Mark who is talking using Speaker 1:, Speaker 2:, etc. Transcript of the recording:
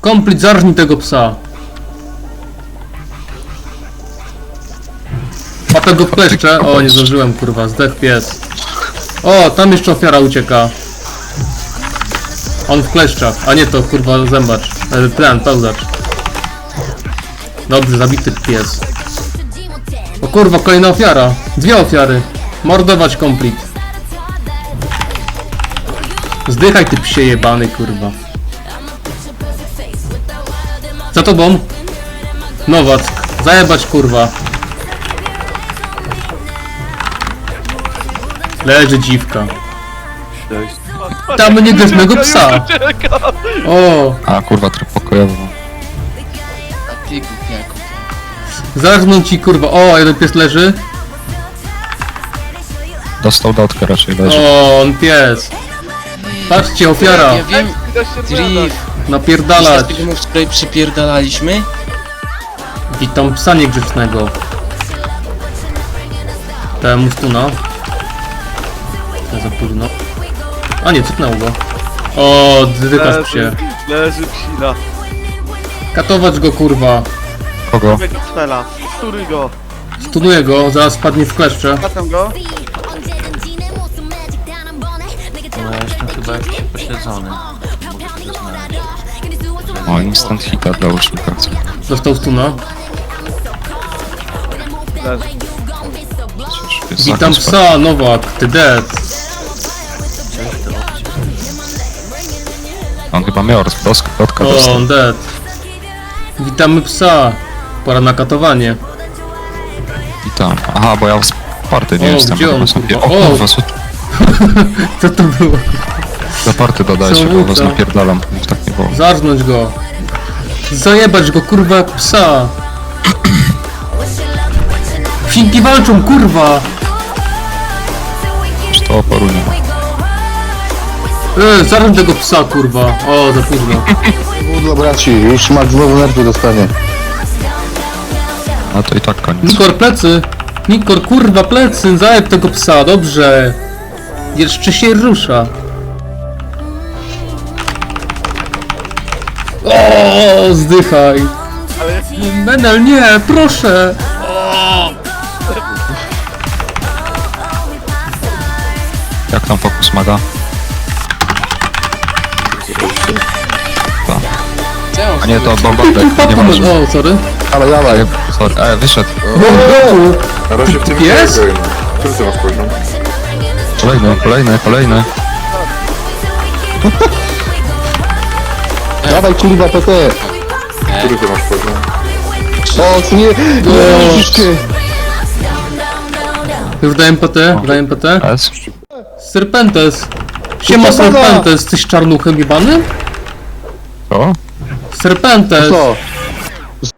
Speaker 1: Komplet, zarżnij tego psa. Łapę go w kleszcze. O, nie zdążyłem, kurwa, zdech pies. O, tam jeszcze ofiara ucieka. On w kleszczach, a nie to, kurwa, zębacz. Ten, pełzacz. Dobrze, zabity pies. O kurwa, kolejna ofiara. Dwie ofiary. Mordować komplet. Zdychaj ty psie jebany, kurwa. Za tobą. Nowack. Zajebać, kurwa. Leży dziwka. Tam niegrzecznego psa. O,
Speaker 2: A kurwa, tryb pokojowy.
Speaker 3: A ty głupiaku.
Speaker 1: zarżnął ci, kurwa. O, jeden pies leży.
Speaker 2: Dostał dotkę raczej leży.
Speaker 1: O, on pies. Patrzcie, ofiara.
Speaker 3: Ja wiem, Drift.
Speaker 1: Napierdalać.
Speaker 3: Tego my wczoraj przypierdalaliśmy?
Speaker 1: Witam psa niegrzecznego. Temu stuna. Za późno. A nie, cyknęło go. O, dykasz psie.
Speaker 4: Leży psina.
Speaker 1: Katować go, kurwa.
Speaker 2: Kogo?
Speaker 4: Tego cfela. Sturuj go.
Speaker 1: Stunuję go, zaraz padnie w kleszcze.
Speaker 4: Katam go.
Speaker 5: No ja jestem chyba jakiś pośledzony. Mogę to znaleźć.
Speaker 2: O, instant hita dla łucznika.
Speaker 1: Dostał stuna.
Speaker 4: Leży.
Speaker 1: Witam psa, Nowak, ty dead.
Speaker 2: On chyba miał dotka
Speaker 1: O,
Speaker 2: dostał.
Speaker 1: on dead. Witamy psa. Pora na katowanie.
Speaker 2: I tam. Aha, bo ja party nie
Speaker 1: O,
Speaker 2: jestem.
Speaker 1: gdzie on,
Speaker 2: chyba
Speaker 1: kurwa?
Speaker 2: O kurwa, co
Speaker 1: Co to było?
Speaker 2: za party dodajcie, bo was
Speaker 1: Samobójca.
Speaker 2: napierdalam. Już tak nie było.
Speaker 1: Zarżnąć go. Zajebać go, kurwa, jak psa. Psinki walczą, kurwa.
Speaker 2: Już to oporu nie ma.
Speaker 1: Zarżnąć tego psa, kurwa. O, za późno.
Speaker 6: Dla braci, już Max znowu nerwy dostanie.
Speaker 2: A to i tak koniec.
Speaker 1: Nikor, plecy. Nikor, kurwa, plecy. Zajeb tego psa, dobrze. Jeszcze się rusza. O, zdychaj. Menel, nie, proszę.
Speaker 2: Jak tam fokus maga? A nie, to bombardek, nie ważne.
Speaker 1: O, sorry.
Speaker 6: Ale dawaj.
Speaker 2: Sorry, wyszedł.
Speaker 7: Na razie w tym
Speaker 1: Pies?
Speaker 7: nie grajmy. Który ty masz poziom?
Speaker 2: Kolejny.
Speaker 6: Dawaj kurwa PT.
Speaker 7: Który ty masz poziom?
Speaker 6: O, co nie, nie, troszeczkę.
Speaker 1: Już dałem PT, dałem PT.
Speaker 2: S.
Speaker 1: Serpentes. Siema Serpentes, jesteś czarnuchem jebany?
Speaker 2: O?
Speaker 1: Serpentes.
Speaker 6: Co?